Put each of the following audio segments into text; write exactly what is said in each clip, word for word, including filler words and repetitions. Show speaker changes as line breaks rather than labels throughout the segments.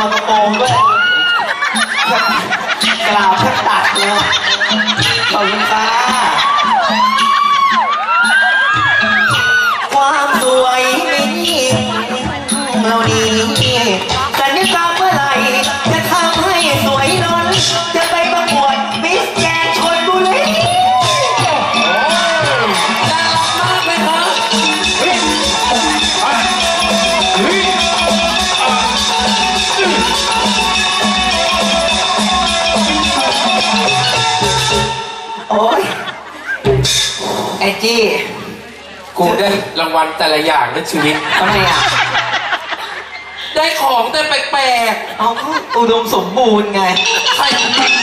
อนกระโปรงด้วยกล่าวแทบตัดเลยขอบคุณค่ะความสวยไม่ยิ่งเราดีสัญญากรรมเมื่อไหร่จะทำให้สวยล้นจะไปประกวดมิสแกรนด์ชลบุรี
น่ารักมากเลยครับ
โอ้ยไอจี้
กูได้รางวัลแต่ละอย่างในชีวิต
ทำไมอ่ะ
ได้ของแต่แปลก
ๆเอาก็อุดมสมบูรณ์ไง
ใคร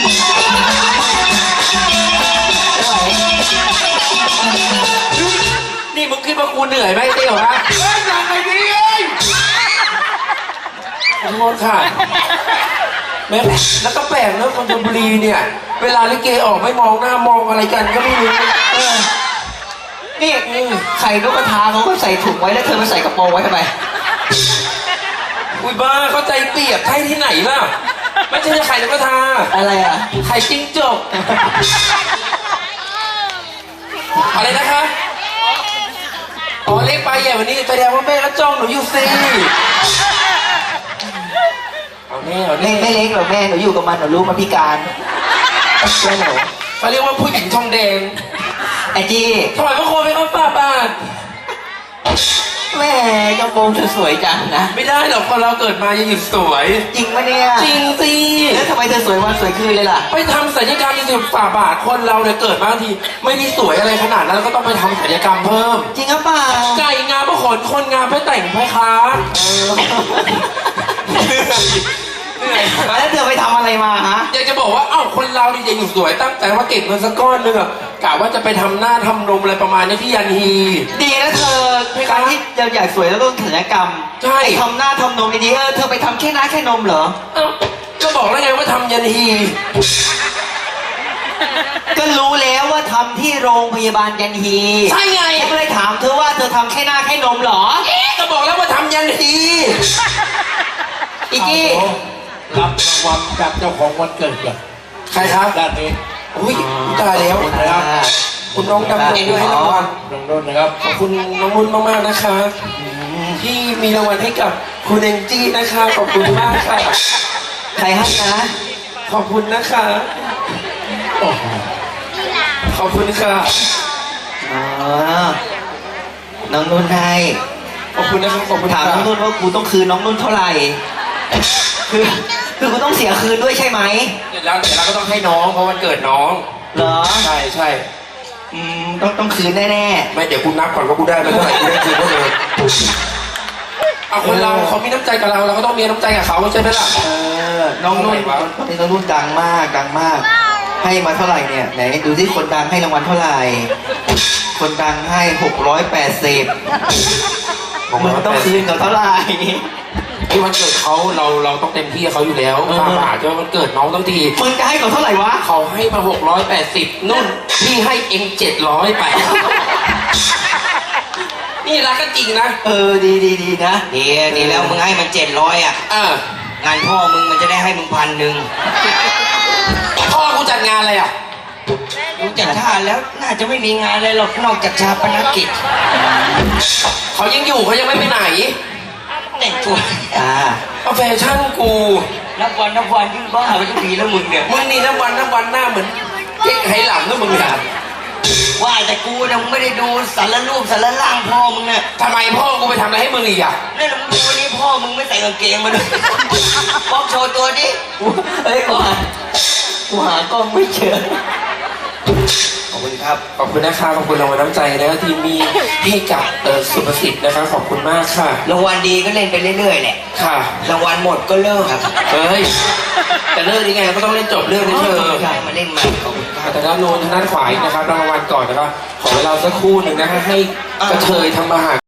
นี่มึงคิดว่ากูเหนื่อยไหมเตี้ยวฮะเฮ้ยอย่างไรดีเอ้ยขอโทษค่ะแม่แล้วก็แปลกเนอะคนชลบุรีเนี่ยเวลาลิเกออกไม่มองหน้ามองอะไรกันก็ไม่รู้
นี่ไข่นกกระทาเขาก็ใส่ถุงไว้แล้วเธอมาใส่กระโปรงไว้ทำไม
อุ้ยบ้าเข้าใจเปียกไข่ที่ไหนล่ะไม่ใช่ไข่นกกระทา
อะไรอ่ะ
ไข่จิ้งจกอะไรนะคะอ๋อเล็กไปใหญ่วันนี้แสดงว่าแม่ก็จ้องหนูอยู่สิเอาแน่เอาแน่
ไม่เล็กหรอกแม่หนูอยู่กับมันหนูรู้มาพิการแม่หนู
เขาเรียกว่าผู้หญิงทองแดง
ไอจี
ถอยพระโคไปเขาป้าป้า
แม่กระโปรงสวยจังนะ
ไม่ได้หรอกคนเราเกิดมาจะหยุดสวย
จริงปะเนี่ย
จริงสิ
แล้วทำไมเธอสวยวันสวยคืนเลยล่ะ
ไปทำศัลยกรรมจริงๆฝ่าบาทคนเราเนี่ยเกิดมาทีไม่ได้สวยอะไรขนาดนั้นแล้วก็ต้องไปทำศัลยกรรมเพิ่ม
จริงหรือเปล่า
ไก่งามเพราะขนคนงามเพราะแต่งเพราะค้าเหนื่อย
แล้วเธอไปทำอะไรมาฮะ
อยากจะบอกว่าเอ้าคนเรานี่จะอยู่สวยตั้งแต่ว่าเก็บเงินสักก้อนนึงอะกะว่าจะไปทำหน้าทำนมอะไรประมาณนี้ที่ยันฮี
ดีนะเธอการที่เราอยากสวยแล้วต้องศัลยกรรม
ใช่
ทำหน้าทำนมดีๆเออเธอไปทำแค่หน้าแค่นมเหรอ
เอ้าก็บอกแล้วไงว่าทำยันฮี
ก็รู้แล้วว่าทำที่โรงพยาบาลยันฮี
ใช่ไง
ก็เลยถามเธอว่าเธอทำแค่หน้าแค่นมเหรอ
ก็บอกแล้วว่าทำยันฮี
อีกี้
รับรางวัลจากเจ้าของวันเกิดเหรอ
ใครครับ
ด้านนี้
อุ้ยตายแล้วนะครับคุณน้องดำรงด้วยให้รางวัล
น้องนุ่นนะครับ
ขอบคุณน้องนุ่นมากๆนะคะที่มีรางวัลให้กับคุณเองจี้นะคะขอบคุณมากค่ะ
ใครให้นะ
ขอบคุณนะคะขอบคุณค่ะ
อ๋อน้องนุ่นให้
ขอบคุณนะครับขอบคุณ
ถามน้องนุ่นว่ากูต้องคืนน้องนุ่นเท่าไหร่คือคือกูต้องเสียคืนด้วยใช่ไหม
เสร็จแล้วเสร็จแล้วก็ต้องให้น้องเพราะวันเกิดน้อง
เหรอ
ใช่ใช่
อืมต้องต้องคืนแน่
ๆไม่เดี๋ยวกูนับก่อนว่ากูได้ไปเท่าไหร่กูได้คืนเท่าไหร่เอาคนเราเขามีน้ำใจกับเราเราก็ต้องมีน้ำใจกับเขาใช่ไหมล่ะ
เออน้องนุ่นตอนนี้น้องนุ่นดังมากดังมากให้มาเท่าไหร่เนี่ยไหนดูที่คนดังให้รางวัลเท่าไหร่คนดังให้หกร้อยแปดสิบมึงต้องคืนกับเท่าไหร่
ที่วันเกิดเขาเราเราต้องเต็มที่เขาอยู่แล้วป้าป่าจะวันเกิดน้องต้องที
มึงจะให้เขาเท่าไหร่วะ
เขาให้มาหกร้อยแปดสิบนุ่นพี่ให้เองเจ็ดร้อยไปนี่รักกันจริงนะ
เออดีดีดีนะดีดีแล้วมึงให้มันเจ็ดร้อยอ่ะ
เอ
องานพ่อมึงมันจะได้ให้มึงพันหนึ่ง
พ่อกูจัดงานอะไรอ่ะ
กูจัดงานแล้วน่าจะไม่มีงานอะไรหรอกนอกจากชาปนกิจ
เขายังอยู่เขายังไม่ไปไหน
แต่งตัวอ่า
เอาแฟชั่นกู
นับวันนับวันยิ่งบ้าไปทุกทีแล้วมึงเนี่ย
มึงนี่นับวันนับวันหน้าเหมือนเจ๊กไหหลังนะมึงเนี่ย
ว่าแต่กูยังไม่ได้ดูสารรูปสารล่างพ่อมึงเนี่ย
ทำไมพ่อกูไปทำอะไรให้มึงอีกอ่ะ
นี่มึงดูวันนี้พ่อมึงไม่ใส่กางเกงมาด้วยบอกโชว์ตัวดิเฮ้ยกูหากูหากล้องไม่เจอ
ขอบคุณครับขอบคุณนะคะขอบคุณรางวัลน้ำใจนะที่มีให้กับเออสุภสิทธิ์นะคะขอบคุณมากค่ะ
รางวัลดีก็เล่นไปเรื่อยๆแหละ
ค่ะ
รางวัลหมดก็เลิกครับ
เฮ้ยแต่เลิกยังไงก็ต้องเล่นจบเรื่องนี้เธอ
มาเล่นใหม่ขอบคุณครับ
แต่ด้านโน้นทางด้านขวานะครับรางวัลก่อนนะครับขอเวลาสักครู่หนึ่งนะฮะให้กระเทยทำมาหา